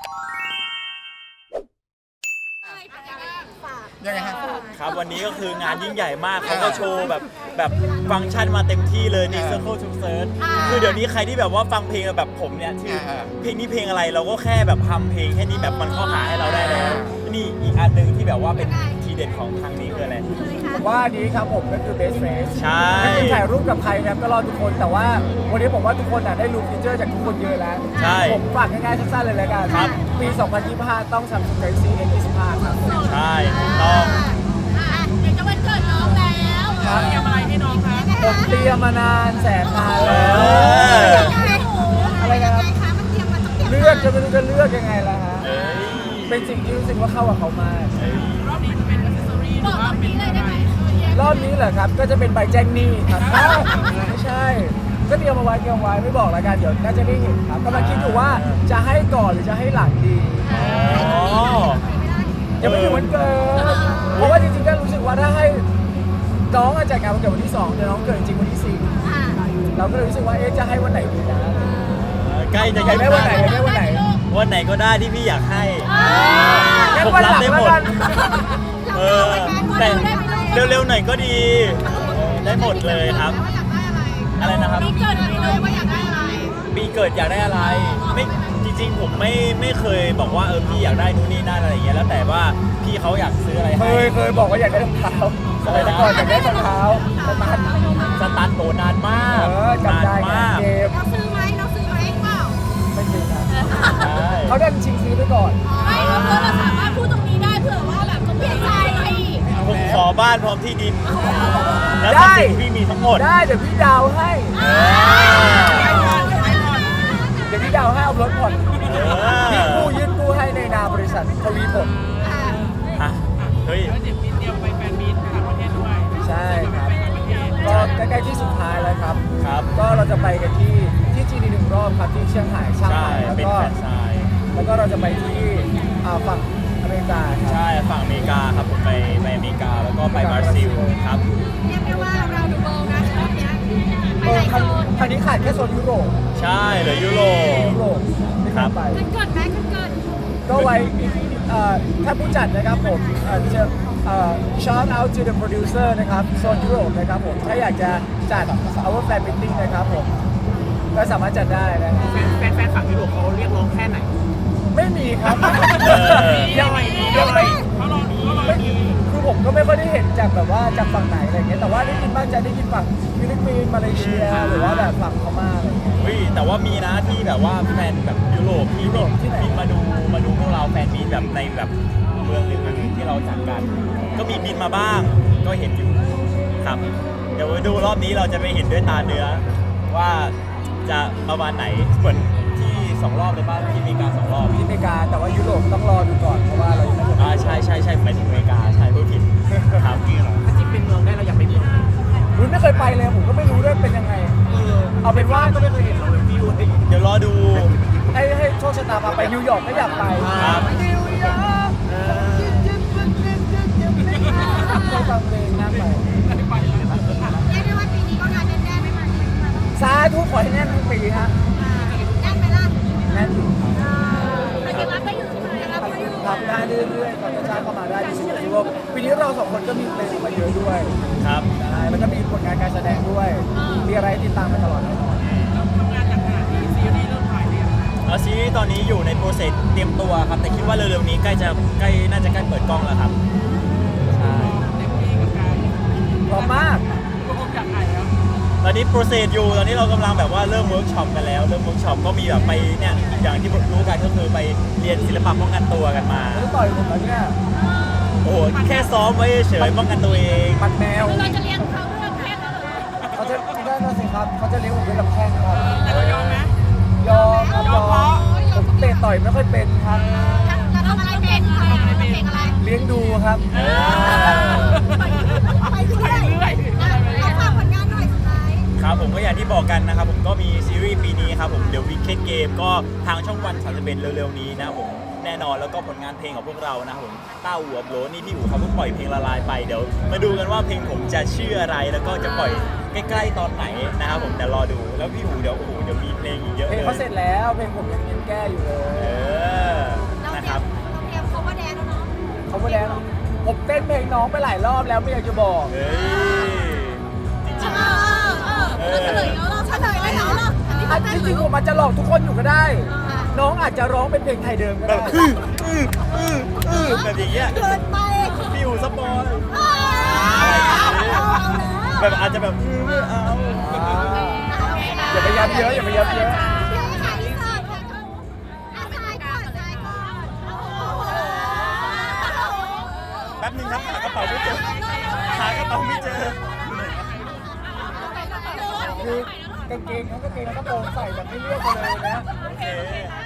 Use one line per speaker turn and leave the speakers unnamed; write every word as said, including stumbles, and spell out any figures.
ยังไงครับ
ครับวันนี้ก็คืองานยิ่งใหญ่มากเขาก็โชว์แบบแบบฟังก์ชันมาเต็มที่เลยใน Circle to Search คือเดี๋ยวนี้ใครที่แบบว่าฟังเพลงแบบผมเนี่ยที่เพลงนี้เพลงอะไรเราก็แค่แบบทำเพลงแค่นี้แบบมันเข้าหาให้เราได้แล้วนี่อีกอันหนึ่งที่แบบว่าเป็นทีเด็ดของทางนี้คืออะไร
ผมว่านี้ครับผมก็คือ best face
ใช่
ไม่ได้ถ่ายรูปกับใครนะก็รอทุกคนแต่ว่าวันนี้ผมว่าทุกคนได้รู้ฟีเจอร์จากทุกคนเยอะแล้วผมฝากง่ายๆสั้นๆเลยแล้วกันปี สองพันยี่สิบห้า ต้อง Samsung Galaxy เอ ยี่สิบห้า ครับ
ใช่ถูกต้อง
เดี๋ยวจะวันเกิดน้องแล้วเตรียมอะไรให้น้องคะ
ผมเตรียมมานานแสนนานแล้วอะไรนะครับเลือกจะไม่รู้จะเลือกยังไงล่ะฮะเป็นสิ่งที่รู้สึกว่าเข้ากับเขามาก
รอบนี้จะเป็นอัซเซสซอรี่หรือว่าเป็นอะไรได้ไหม
รอบนี้เหรอครับก็จะเป็นใบแจ้งหนี้ครับไม่ใช่ก็เตรียมมาไว้เตรียมไว้ไม่บอกแล้วกันเดี๋ยวน่าจะได้เห็นครับกำลังคิดอยู่ว่าจะให้ก่อนหรือจะให้หลังดียังไม่ถึงวันเกิดเพราะว่าจริงๆก็รู้สึกว่าถ้าให้น้องจัดงานวันเกิดวันที่สองแต่น้องเกิดจริงวันที่สี่เราก็เลยรู้สึกว่าเอ๊ะจะให้วันไหนดีนะ
ใกล้จะ
ใกล้ได้วันไหนได้วันไหน
วันไหนก็ได้ที่พี่อยากให้
ผมรับได้หมด
เออแต่เร็วๆหน่อยก็ดีได้หมดเลยครับอะไรนะครับ
ปีเกิดเลยว่าอยากได้อะไร
ปีเกิดอยากได้อะไรไม่จริงๆผมไม่ไม่เคยบอกว่าเออพี่อยากได้นู่นนี่นั่นอะไรอย่างเงี้ยแล้วแต่ว่าพี่เขาอยากซื้ออะไร
เคยเคยบอกว่าอยากได้รองเท้าอะไรนะก่อนอยากได้รองเท้าสตาร์ท
สตาร์ทโตนานมาก
นานมาก
เราซื้อไหมเราซื้อไหมเปล่า
ไม่ซื้อครับเขาดันชิงซื้อไปก่อน
ไม่เพื่อเราสามารถพูดตรงนี้ได้เผื่อว่าแบบเขาเปลี่ยนใจ
ผมขอบ้านพร้อมที่ดินแล้วทรัพย์สินที่พี่มีทั้งหมด
ได้เดี๋ยวพี่ดาวให้เดี๋ยวพี่ดาวให้เอารถผ่อนพี่กู้ยื่นกู้ให้ในนามบริษัททวีผล
ฮะเฮ้ย
เดี๋ยวมีเตรียมไปแฟนมีตต่างประเทศด้วย
ใช่ครับก็ใกล้ๆที่สุดท้ายแล้วครับ
ครับ
ก็เราจะไปกันที่ที่จีนหนึ่งรอบครับที่เชียงรายช่างใหม่แล้วก็แล้วก็เราจะไปที่ฝั่งอเมริกา
ใช่ฝั่งอเมริกาครับผมไปไปอเมริกาแล้วก็ไปบราซิลครับ
เรียกได้ว่าเราดูโบนะรอบนี้ไปไหนโซน
ครั้งนี้ขาดแค่โซนยุโรป
ใช่เหลือยุโรป
ยุโรป
ครับ
เกินเกินไหมเกิน
ก็ไว้ถ้าผู้จัดนะครับผมจะ shout out to the producer นะครับโซนยุโรปนะครับผมถ้าอยากจะจัด our fan meeting นะครับผมก็สามารถจัดได้นะครับ
แฟนแฟนฝั่งยุโรปเขาเรียกร้องแค่ไหน
ไม่มีครับ
ยังไงยังไงเขารอเขารอ
คือผมก็ไม่ค่อยได้เห็นจากแบบว่าจากฝั่งไหนอะไรเงี้ยแต่ว่าได้ยินบ้างจะได้ยินฝั่งฟิลิปปินส์มาเลเซียหรือว่าแบบฝั่งพม่าอะไรเงี้ย
เฮ้ยแต่ว่ามีนะที่แบบว่าแฟนแบบยุโรปที่ยุโรปที่บินมาดูมาดูพวกเราแฟนมีแบบในแบบเมืองหนึ่งอันหนึ่งที่เราจัดกันก็มีบินมาบ้างก็เห็นอยู่ครับเดี๋ยวดูรอบนี้เราจะไปเห็นด้วยตาเนื้อว่าจะประมาณไหนเหมือนที่สองรอบเลยป่ะที่อเมริกาสองรอบ
ที่อเมริกาแต่ว่ายุโรปต้องรอดูก่อนเพราะว่าเรายังไม่
อ่าใช่ใช่ใช่หมายถึงอเมริกาใช่พูดผิดครับ
ถ้าจิ๊บเป็นเมืองได้เราอยากไปเมือง
รุ่นไม่เคยไปเลยผมก็ไม่รู้ด้วยเป็นยังไงเอาเป็นว่า
ก็ไม่เคยเห็นเราเลยวิว
เดี๋ยวรอดู
ให้ให้โชคชะตาพาไปนิวยอร์กก็อยากไป
ครับ
นิวยอร์กฟังเพลงนั่งไป
เรียกได้ว่าปีนี้ก็งานแน่ๆไม่มา
สาธุขอให้แน่นทั้งปีฮะ
แน่นไหมล่ะ
แน่นอยู่
เราจะรับได้อยู่ใช่ไหมรับได้อยู่
ทำได้เรื่อยๆเขาจะจ้างเข้ามาได้ที่สุดที่ว่าปีนี้เราสองคนก็มีเพลงมาเยอะด้วย
ครับ
ใช่แล้วก็มีผลงานการแสดงด้วยมีอะไรติดตามมาตลอดแน่นอน
ทำงานอย่างขนาดนี้ซีรีส์เริ่มถ่ายเนี่ย
แล้วซีรีส์ตอนนี้อยู่ในโปรเซสเตรียมตัวครับแต่คิดว่าเร็วๆนี้ใกล้จะใกล้น่าจะใกล้เปิดกล้องแล้วครับใช่
เต็มที่กับการ
พร้อมมาก
ก็คงอยากถ่ายแล้ว
ตอนนี้โปรเซสอยู่ตอนนี้เรากำลังแบบว่าเริ่มเวิร์กช็อปกันแล้วเริ่มเวิร์กช็อปก็มีแบบไปเนี่ยอย่างที่รู้กันก็คือไปเรียนศิลปะป้องกันตัวกันมา
แล้วต่อยผมแล้วเนี่ย
โอ้โหแค่ซ้อมไว้เฉยป้องกันตัวเอง
ปัดแมว
เราจะเรียนเขาเรื่องแค่นั้นเลย
เขาจะได้นะสิครับเขาจะเลี้ยงผมด้วยลำแข้งครับ
แต่เรายอมไหม
ยอมยอมผมเตะต่อยไม่ค่อยเป็นครับ
แล้วทำอะไรเป็นคะทำอะไรเป็นอะไร
เลี้ยงดูครับ
ไปเรื่อยๆเราฝากผลงานหน่อยสุดท้าย
ครับผมก็อย่างที่บอกกันนะครับผมก็มีซีรีส์ปีนี้ครับผมเดี๋ยว Wicked Game ก็ทางช่องวันสามสิบเอ็ดเร็วๆนี้นะครับผมแน่นอนแล้วก็ผลงานเพลงของพวกเรานะครับผมต้าอู่อับโหลนี่พี่อู๋เขาเพิ่งปล่อยเพลงละลายไปเดี๋ยวมาดูกันว่าเพลงผมจะชื่ออะไรแล้วก็จะปล่อยใกล้ๆตอนไหนนะครับผมแต่รอดูแล้วพี่อู๋เดี๋ยวโอ้โหเดี๋ยวมีเพลงอีกเยอะเลย
เพลงเขาเสร็จแล้วเพลงผมยังยังแก้อยู่เลย
เออ
น้องไปหลายรอบแล้วไม่อยากจะบอก
เฮ้ยจริง
เออเออเออเฉลยแล้วเหรอเฉลยได้แล้วเหรออันนี้
อัน
เป็น
ที่จริงผมอาจจะหลอกทุกคนอยู่ก็ได้ น้องอาจจะร้องเป็นเพลงไทยเดิมก็
ๆแบ
ได้
บอื้ออื้ออื้ออื้อแบบอย่างเงี้ย
เกินไป
ฟิวสปอย
เอาแล้ว
แบบอาจจะแบบอื้อไม่เอา
อย่าไปย้ำเยอะอย่าไปย้ำเยอะ
แป๊บนึงครับหากระเป๋าไม่เจอหากระเป๋าไม่เจอ
คือกางเกงทั้งกางเกงแล้วก็โปรงใส่แบบไม่เลือกกันเลยนะ
โอเค